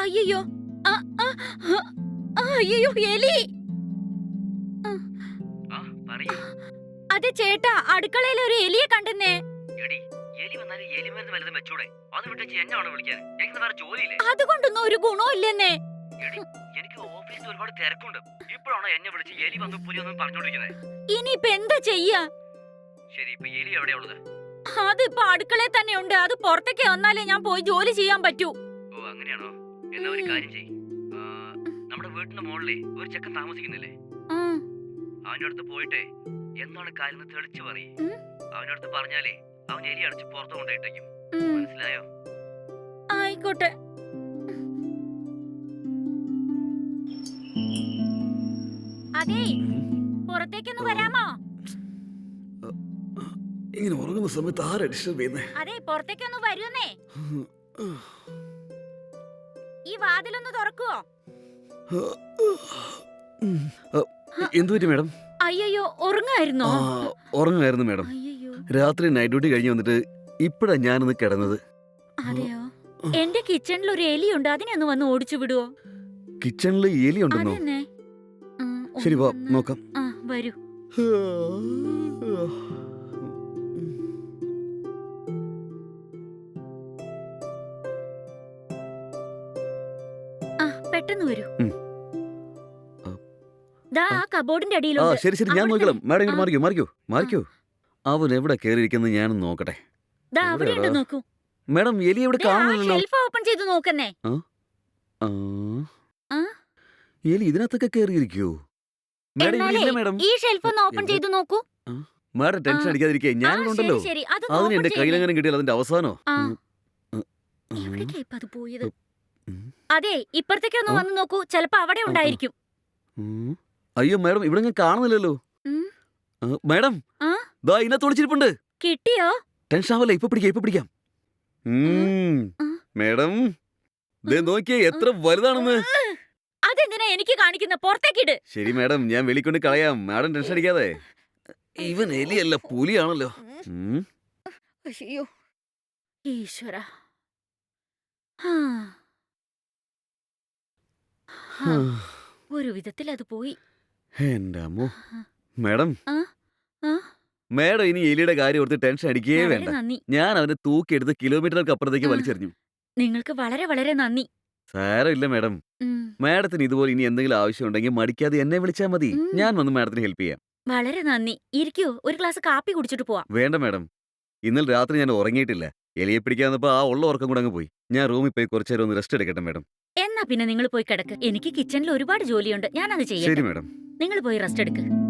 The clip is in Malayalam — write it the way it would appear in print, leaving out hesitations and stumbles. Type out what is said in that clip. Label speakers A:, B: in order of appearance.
A: അയ്യോ. അയ്യോ, എലി. അതെ ചേട്ടാ, അടുക്കളയിൽ ഒരു എലിയെ കണ്ടെന്നേ. അതുകൊണ്ടൊന്നും ഒരു ഗുണവും ഇല്ലെന്നേ. ഇനിയിപ്പൊ എന്താ ചെയ്യാ? അതിപ്പോ അടുക്കളയിൽ തന്നെ ഉണ്ട്. അത് പുറത്തേക്ക് വന്നാലേ ഞാൻ പോയി ജോലി ചെയ്യാൻ പറ്റൂ.
B: എന്നാ ഒരു കാര്യം ചെയ്യ്. നമ്മുടെ വീട്ടിന്റെ മുകളിലേ ഒരു ചെക്കൻ താമസിക്കുന്നില്ലേ? അവന്റെ അടുത്ത് പോയിട്ടേ എന്താണ് കാര്യം തെളിച്ചു പറയും. അവന്റെ അടുത്ത് പറഞ്ഞാലേ അവൻ എലി അടച്ച് പുറത്തു കൊണ്ടിട്ടേക്കും. മനസ്സിലായോ?
A: ആയിക്കോട്ടെ. അതെ, പുറത്തേക്കൊന്ന് വരാമോ?
C: ഇങ്ങനെ ഉറങ്ങുന്ന സമയത്ത് ആരാ ഡിസ്റ്റർബ് ചെയ്യുന്നേ?
A: അതെ, പുറത്തേക്കൊന്ന് വരുന്നേ. ഈ വാതിലൊന്ന് തുറക്കുവോ?
C: എന്തുപറ്റി മാഡം?
A: അയ്യോ, ഉറങ്ങായിരുന്നോ?
C: ഉറങ്ങായിരുന്നു മാഡം. രാത്രി നൈറ്റ് ഡ്യൂട്ടി കഴിഞ്ഞ് വന്നിട്ട് ഇപ്പഴാ ഞാനൊന്ന് കിടന്നത്.
A: അതെയോ? എന്റെ കിച്ചണിൽ ഒരു എലിയുണ്ട്. അതിനെ ഒന്ന് വന്ന് ഓടിച്ചു വിടുവോ?
C: കിച്ചണിൽ എലി ഉണ്ടെന്നോ? ശരി, വാ നോക്കാം.
A: വരൂ. പെട്ടെന്ന് വരൂ. കബോർഡിന്റെ അടിയിലുണ്ട്.
C: ശരി ശരി, ഞാൻ നോക്കണം. മാഡം ഇങ്ങോട്ട് മാറിക്കോ മാറിക്കോ മാറിക്കോ. അവൻ എവിടെ കേറിയിരിക്കുന്നത് ഞാനൊന്ന് നോക്കട്ടെ.
A: നോക്കൂ
C: മാഡം, എലി എവിടെ കാണുന്നില്ലല്ലോ.
A: ഷെൽഫ് ഓപ്പൺ ചെയ്ത് നോക്കുന്നേ.
C: എലി ഇതിനകത്തൊക്കെ കേറിയിരിക്കോ? മാഡം
A: ഈ ഷെൽഫ് ഒന്ന് ഓപ്പൺ ചെയ്ത് നോക്കൂ.
C: മാഡം ടെൻഷൻ അടിക്കാതിരിക്കേ, ഞാനുണ്ടല്ലോ. അതിന് എന്റെ കയ്യിലെങ്ങനെ കിട്ടിയാൽ അതിന്റെ അവസാനോ?
A: അതെ, ഇപ്പഴത്തേക്കൊന്ന് വന്ന് നോക്കൂ. ചിലപ്പോ അവിടെ ഉണ്ടായിരിക്കും.
C: അയ്യോ മാഡം, ഇവിടെ ഞാൻ കാണുന്നില്ലല്ലോ. മാഡം, ദാ ഇതിനകത്ത് ഒളിച്ചിരിപ്പുണ്ട്.
A: കിട്ടിയോ?
C: ടെൻഷൻ ആവല്ലേ, ഇപ്പൊ പിടിക്കാം. മാഡം, നോക്കിയേ എത്ര വലുതാണെന്ന്.
A: അതെന്തിനാ എനിക്ക് കാണിക്കുന്ന? പുറത്തേക്കിട്.
C: ശരി മാഡം, ഞാൻ വെളിക്കൊണ്ട് കളയാം. മാഡം ടെൻഷൻ അടിക്കാതെ. ഇവൻ എലിയല്ല, പുലിയാണല്ലോ.
A: അയ്യോ ഈശ്വര. ഒരു വിധത്തിൽ അത് പോയി.
C: എന്റെ അമ്മോ. മാഡം മാഡം ഇനി എലിയുടെ കാര്യം ഓർത്ത് ടെൻഷൻ അടിക്കേ വേണ്ട. ഞാൻ അവനെ തൂക്കിയെടുത്ത് കിലോമീറ്ററുകൾക്ക് അപ്പുറത്തേക്ക് വലിച്ചെറിഞ്ഞു.
A: നിങ്ങൾക്ക് വളരെ വളരെ നന്ദി.
C: സാരമില്ല മാഡം. മാഡത്തിന് ഇതുപോലെ ഇനി എന്തെങ്കിലും ആവശ്യം ഉണ്ടെങ്കിൽ മടിക്കാതെ എന്നെ വിളിച്ചാൽ മതി. ഞാൻ വന്ന് മാഡത്തിന് ഹെൽപ്പ് ചെയ്യാം.
A: വളരെ നന്ദി. ഇരിക്കൂ, ഒരു ഗ്ലാസ് കാപ്പി കുടിച്ചിട്ട് പോവാം.
C: വേണ്ട മാഡം, ഇന്നലെ രാത്രി ഞാൻ ഉറങ്ങിയിട്ടില്ല. എലിയെ പിടിക്കാന്നപ്പോ ആ ഉള്ള ഉറക്കം കൂടെ അങ്ങ് പോയി. ഞാൻ റൂമിൽ പോയി കുറച്ചു നേരം ഒന്ന് റെസ്റ്റ് എടുക്കട്ടെ മാഡം.
A: എന്നാ പിന്നെ നിങ്ങൾ പോയി കിടക്ക്. എനിക്ക് കിച്ചണിൽ ഒരുപാട് ജോലിയുണ്ട്. ഞാനത് ചെയ്യാം.
C: ശരി മാഡം.
A: നിങ്ങൾ പോയി റെസ്റ്റ് എടുക്ക്.